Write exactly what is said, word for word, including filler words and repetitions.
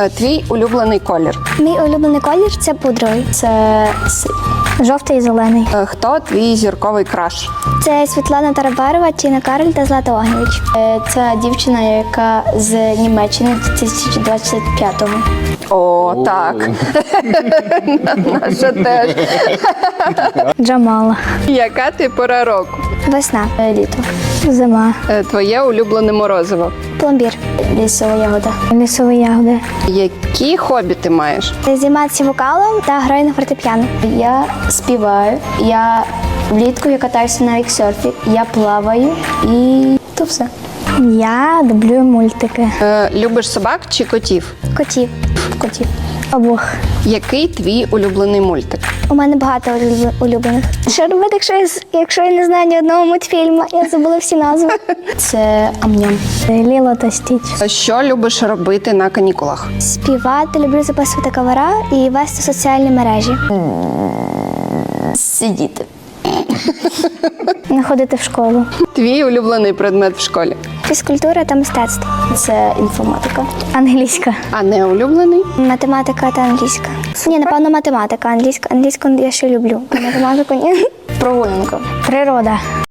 Е, Твій улюблений колір. Мій улюблений колір це пудровий. Це с- жовтий і зелений. Е, Хто твій зірковий краш? Це Світлана Тарабарова, Тіна Кароль та Злата Огнєвіч. Це дівчина, яка з Німеччини дві тисячі двадцять п'ятого. О, так. Наша теж. Джамала. Яка ти пора року? Весна. Літо. Зима. Е, Твоє улюблене морозиво. Пломбір. Лісова ягода. Лісові ягоди. Які хобі ти маєш? Займатися вокалом та граю на фортепіано. Я співаю, я влітку я катаюся на віксерфі, я плаваю і то все. Я дублюю мультики. Е, Любиш собак чи котів? Котів. Котів. Обох. Який твій улюблений мультик? У мене багато улюб- улюблених. Що робити, якщо я, з- якщо я не знаю ні одного мультфільму? Я забула всі назви. Це Ам-Ням. Ліло та Стіч. Е, Що любиш робити на канікулах? Співати, люблю записувати кавера і вести соціальні мережі. Сидіти. Не ходити в школу. Твій улюблений предмет в школі? Фізкультура та мистецтво. Це інформатика. Англійська. А не улюблений? Математика та англійська. Ні, напевно, математика. Англійська. Англійську я ще люблю. Математику ні. Прогулянка. Природа.